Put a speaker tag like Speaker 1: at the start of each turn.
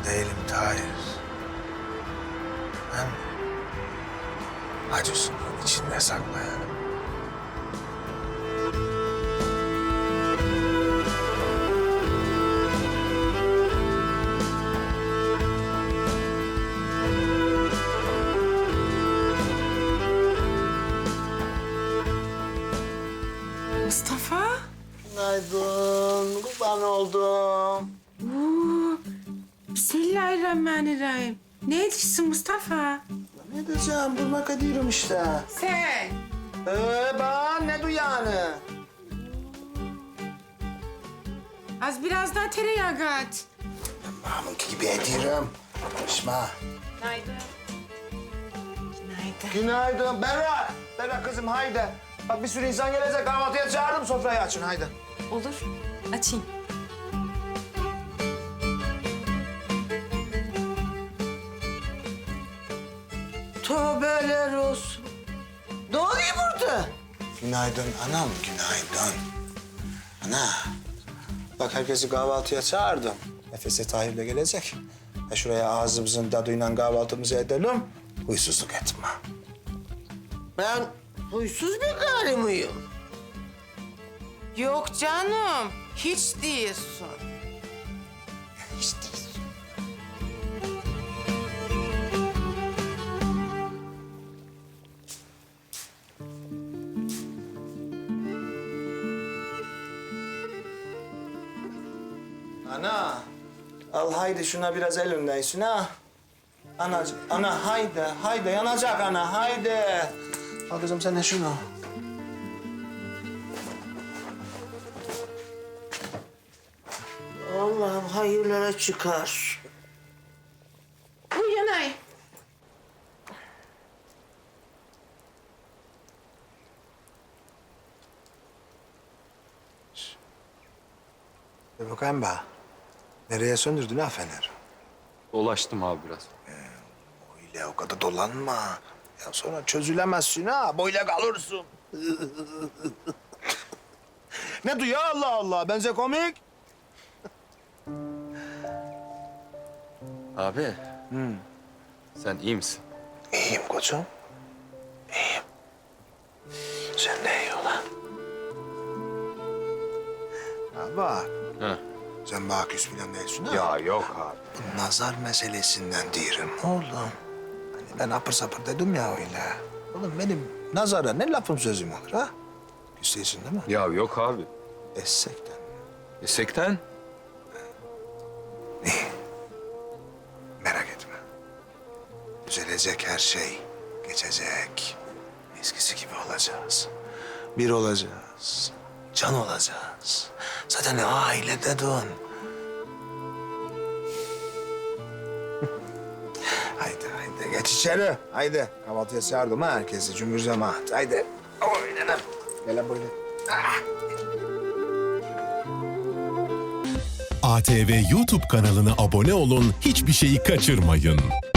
Speaker 1: değilim Tahir. Ben acısının içinde saklayanım.
Speaker 2: Mustafa.
Speaker 3: Günaydın, kurban oldum.
Speaker 2: Oo, Bismillahirrahmanirrahim. Ne ediyorsun Mustafa?
Speaker 3: Ne diyeceğim, durmak ediyorum işte.
Speaker 2: Sen.
Speaker 3: Ben ne duyanı?
Speaker 2: Az biraz daha tereyağı kat.
Speaker 3: Mahmut gibi ediyorum. Konuşma.
Speaker 2: Günaydın. Günaydın.
Speaker 3: Günaydın. Berra. Berra kızım haydi. Bak bir sürü insan gelecek. Kahvaltıya çağırdım, sofrayı açın haydi.
Speaker 4: Olur. Açayım.
Speaker 3: Tövbeler olsun. Ne oluyor burada? Günaydın anam, günaydın. Ana, bak herkesi kahvaltıya çağırdım. Nefese Tahir de gelecek. Şuraya ağzımızın tadıyla kahvaltımızı edelim. Huysuzluk etme.
Speaker 5: Ben huysuz bir karı mıyım?
Speaker 2: Yok canım. Hiç değilsin.
Speaker 5: Hiç değilsin.
Speaker 3: Ana, al haydi şuna biraz el öndeysin ha. Anacığım, ana haydi, haydi yanacak ana, haydi. Al kızım sen de şunu.
Speaker 5: Allah'ım hayırlara çıkar.
Speaker 2: Bu yanay.
Speaker 1: Bir bakayım be. Nereye söndürdün ha fener?
Speaker 6: Dolaştım abi biraz.
Speaker 1: Öyle o kadar dolanma. Ya sonra çözülemezsin ha. Böyle kalırsın. Ne duyuyor Allah Allah? Benze komik.
Speaker 6: Abi. Sen iyi misin?
Speaker 1: İyiyim koçum. İyiyim. Sen de iyi olan. Ya bak.
Speaker 6: Ha.
Speaker 1: Sen bana küs falan değilsin ha.
Speaker 6: Ya yok abi.
Speaker 1: Bu nazar meselesinden diyorum oğlum. Hani ben apır sapır dedim ya öyle. Oğlum benim nazara ne lafım sözüm olur ha? Küs değilsin değil mi?
Speaker 6: Ya yok abi.
Speaker 1: Essekten.
Speaker 6: Sekten?
Speaker 1: Merak etme. Düzelecek her şey. Geçecek. Eskisi gibi olacağız. Bir olacağız. Can olacağız. Zaten aile dedin. Haydi haydi geç içeri. Haydi kahvaltıya çağırdım ha herkesi cümbür cemaat. Haydi. Oynanın. Gel lan böyle.
Speaker 7: ATV YouTube kanalına abone olun, hiçbir şeyi kaçırmayın.